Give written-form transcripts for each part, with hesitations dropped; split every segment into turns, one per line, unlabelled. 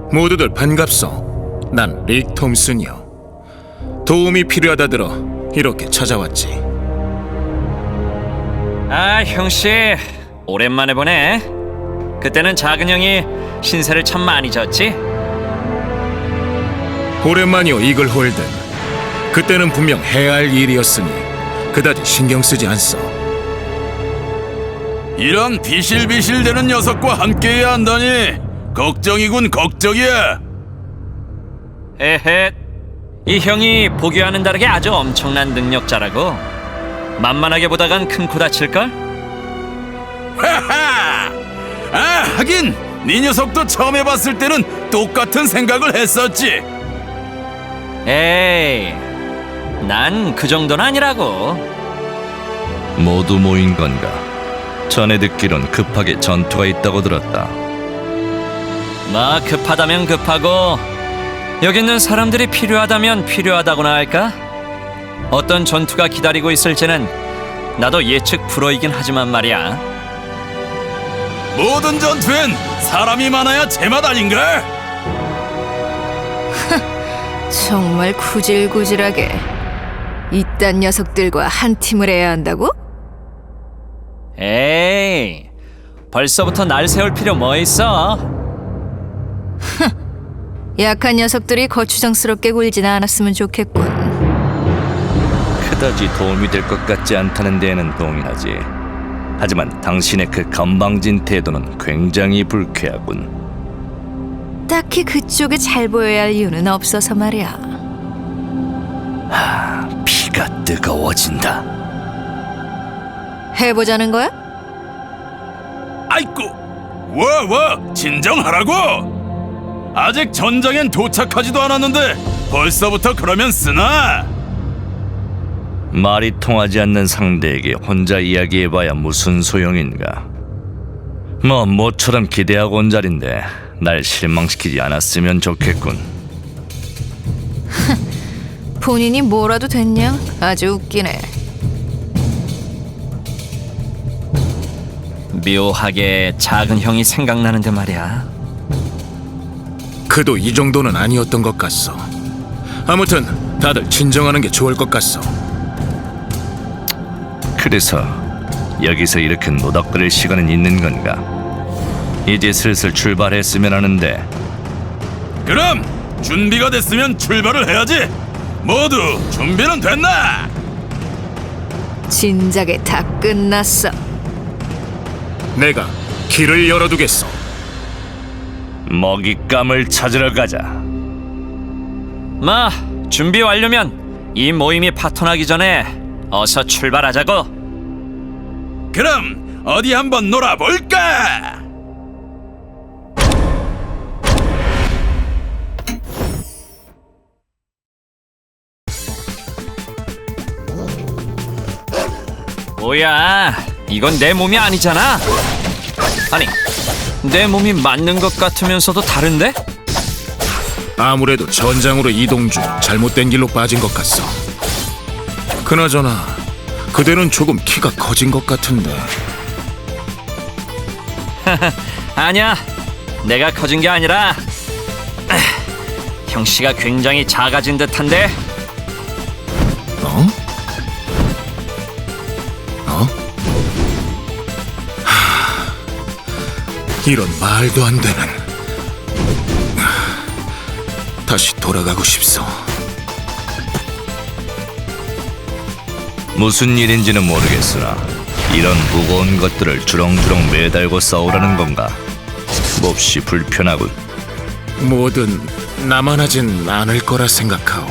모두들 반갑소. 난 릭 톰슨이요. 도움이 필요하다 들어 이렇게 찾아왔지.
아, 형씨 오랜만에 보네. 그때는 작은 형이 신세를 참 많이 졌지?
오랜만이오, 이글 홀든. 그때는 분명 해야 할 일이었으니 그다지 신경 쓰지 않소.
이런 비실비실대는 녀석과 함께해야 한다니 걱정이군 걱정이야.
에헤, 이 형이 보기와는 다르게 아주 엄청난 능력자라고. 만만하게 보다간 큰 코 다칠걸?
하하! 아, 하긴 네 녀석도 처음 해봤을 때는 똑같은 생각을 했었지.
에이, 난 그 정도는 아니라고.
모두 모인 건가? 전에 듣기론 급하게 전투가 있다고 들었다.
뭐 급하다면 급하고 여기 있는 사람들이 필요하다면 필요하다고나 할까? 어떤 전투가 기다리고 있을지는 나도 예측 불허이긴 하지만 말이야.
모든 전투엔 사람이 많아야 제맛 아닌가?
정말 구질구질하게 이딴 녀석들과 한 팀을 해야 한다고?
에이, 벌써부터 날 세울 필요 뭐 있어?
약한 녀석들이 거추장스럽게 굴지는 않았으면 좋겠군.
그다지 도움이 될 것 같지 않다는 데에는 동의하지. 하지만 당신의 그 건방진 태도는 굉장히 불쾌하군.
딱히 그쪽에 잘 보여야 할 이유는 없어서 말이야.
피가 뜨거워진다.
해보자는 거야?
아이고, 와, 진정하라고. 아직 전장엔 도착하지도 않았는데 벌써부터 그러면 쓰나?
말이 통하지 않는 상대에게 혼자 이야기해봐야 무슨 소용인가. 뭐 모처럼 기대하고 온 자리인데 날 실망시키지 않았으면 좋겠군.
본인이 뭐라도 됐냐? 아주 웃기네.
묘하게 작은 형이 생각나는데 말이야.
그도 이 정도는 아니었던 것 같소. 아무튼 다들 진정하는 게 좋을 것 같소.
그래서 여기서 이렇게 노닥거릴 시간은 있는 건가? 이제 슬슬 출발했으면 하는데.
그럼 준비가 됐으면 출발을 해야지. 모두 준비는 됐나?
진작에 다 끝났어.
내가 길을 열어두겠소.
먹잇감을 찾으러 가자.
마, 준비 완료면 이 모임이 파토나기 전에 어서 출발하자고.
그럼 어디 한번 놀아볼까?
뭐야, 이건 내 몸이 아니잖아. 아니, 내 몸이 맞는 것 같으면서도 다른데?
아무래도 전장으로 이동 중 잘못된 길로 빠진 것 같소. 그나저나 그대는 조금 키가 커진 것 같은데.
아니야, 내가 커진 게 아니라 형씨가 굉장히 작아진 듯한데.
어? 어? 이런 말도 안 되는. 다시 돌아가고 싶소.
무슨 일인지는 모르겠으나 이런 무거운 것들을 주렁주렁 매달고 싸우라는 건가? 몹시 불편하군.
뭐든 나만 하진 않을 거라 생각하오.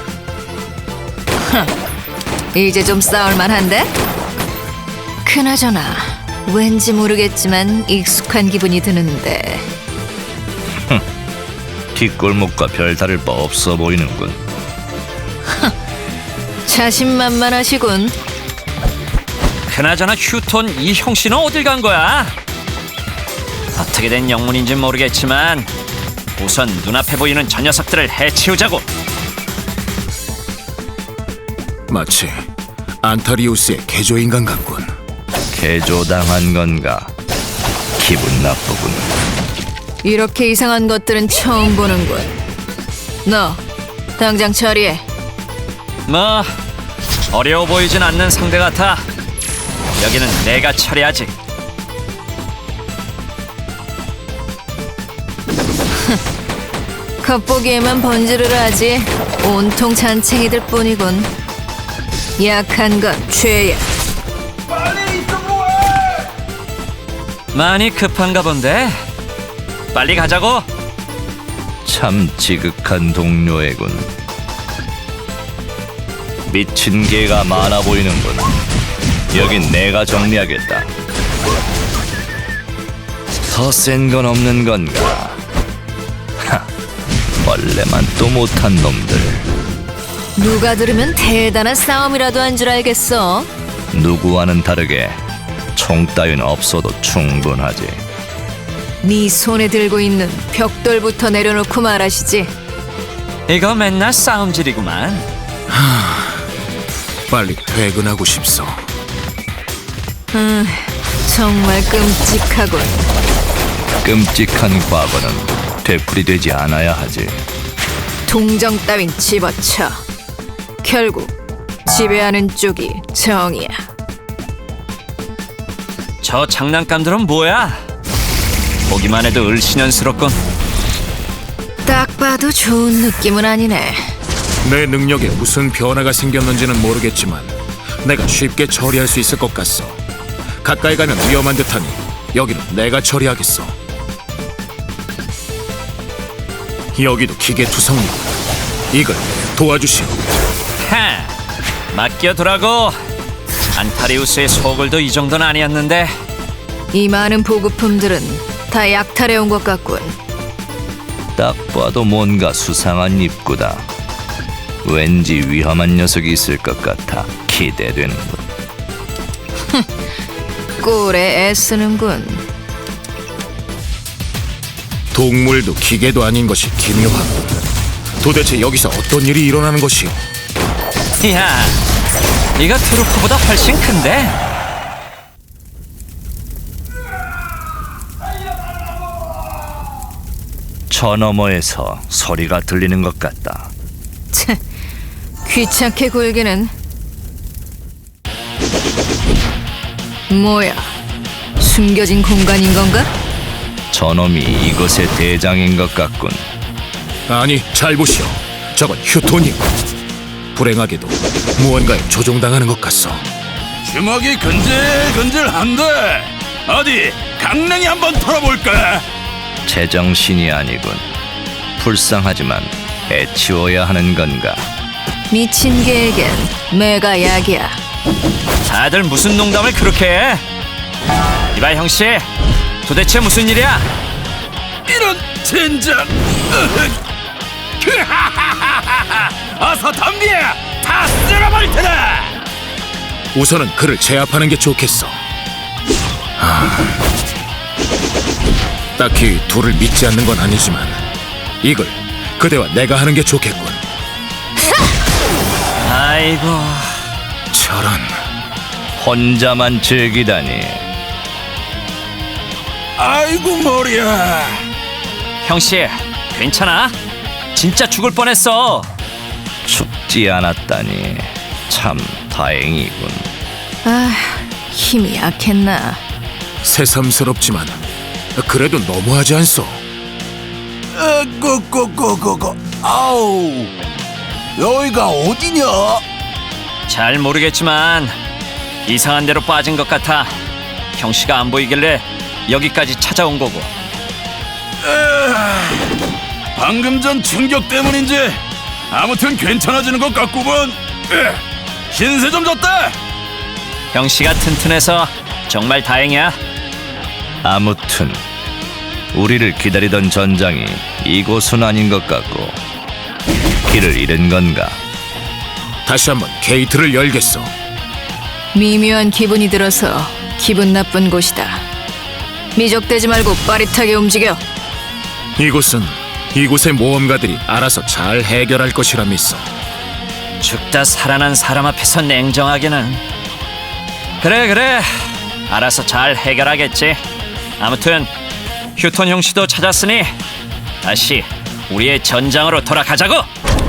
이제 좀 싸울만한데? 그나저나 왠지 모르겠지만 익숙한 기분이 드는데.
뒷골목과 별 다를 바 없어 보이는군.
자신만만하시군.
그나저나 휴톤, 이 형씨는 어딜 간 거야? 어떻게 된 영문인진 모르겠지만 우선 눈앞에 보이는 저 녀석들을 해치우자고.
마치 안타리우스의 개조인간 같군.
개조당한 건가? 기분 나쁘군.
이렇게 이상한 것들은 처음 보는군. 너 당장 처리해.
뭐 어려워 보이진 않는 상대 같아. 여기는 내가 처리하지.
겉보기에만 번지르르 하지 온통 잔챙이들 뿐이군. 약한 건 죄야.
많이 급한가 본데. 빨리 가자고.
참 지극한 동료애군. 미친 개가 많아 보이는군. 여긴 내가 정리하겠다. 더 센 건 없는 건가? 하, 원래만 또 못한 놈들.
누가 들으면 대단한 싸움이라도 한 줄 알겠어.
누구와는 다르게 총 따윈 없어도 충분하지.
네 손에 들고 있는 벽돌부터 내려놓고 말하시지.
이거 맨날 싸움질이구만.
빨리 퇴근하고 싶소.
정말 끔찍하군.
끔찍한 과거는 되풀이되지 않아야 하지.
동정 따윈 집어쳐. 결국 지배하는 쪽이 정이야.
저 장난감들은 뭐야? 보기만 해도 을씨년스럽군.
딱 봐도 좋은 느낌은 아니네.
내 능력에 무슨 변화가 생겼는지는 모르겠지만 내가 쉽게 처리할 수 있을 것 같소. 가까이 가면 위험한 듯하니 여기는 내가 처리하겠어. 여기도 기계 투성이고. 이걸 도와주시오.
하, 맡겨두라고. 안타리우스의 소굴도 이 정도는 아니었는데.
이 많은 보급품들은 다 약탈해온 것 같군.
딱 봐도 뭔가 수상한 입구다. 왠지 위험한 녀석이 있을 것 같아 기대되는군.
꼴에 애쓰는군.
동물도 기계도 아닌 것이 기묘하고. 도대체 여기서 어떤 일이 일어나는 것이오?
이야, 이거 트루프보다 훨씬 큰데?
저 너머에서 소리가 들리는 것 같다.
참, 귀찮게 굴기는. 뭐야, 숨겨진 공간인 건가?
저놈이 이곳의 대장인 것 같군.
아니, 잘 보시오. 저건 휴톤이오. 불행하게도 무언가에 조종당하는 것 같소.
주먹이 근질근질한데 어디 강냉이 한번 털어볼까?
제정신이 아니군. 불쌍하지만 애치워야 하는 건가?
미친 개에겐 매가 약이야.
다들 무슨 농담을 그렇게 해? 이봐 형씨, 도대체 무슨 일이야?
이런 젠장! 어서 덤벼! 다 쓸어버릴 테다!
우선은 그를 제압하는 게 좋겠어. 딱히 둘을 믿지 않는 건 아니지만 이걸 그대와 내가 하는 게 좋겠군.
아이고,
저런.
혼자만 즐기다니.
아이고 머리야.
형씨, 괜찮아? 진짜 죽을 뻔했어.
죽지 않았다니 참 다행이군.
아, 힘이 약했나.
새삼스럽지만 그래도 너무하지 않소?
아우, 여기가 어디냐?
잘 모르겠지만 이상한 데로 빠진 것 같아. 형씨가 안 보이길래 여기까지 찾아온 거고.
방금 전 충격 때문인지 아무튼 괜찮아지는 것 같구먼. 신세 좀 졌다.
형씨가 튼튼해서 정말 다행이야.
아무튼 우리를 기다리던 전장이 이곳은 아닌 것 같고 길을 잃은 건가?
다시 한번 게이트를 열겠어.
미묘한 기분이 들어서 기분 나쁜 곳이다. 미적대지 말고 빠릿하게 움직여.
이곳의 모험가들이 알아서 잘 해결할 것이라 믿어.
죽다 살아난 사람 앞에서 냉정하게는. 그래, 알아서 잘 해결하겠지. 아무튼 휴톤 형씨도 찾았으니 다시 우리의 전장으로 돌아가자고.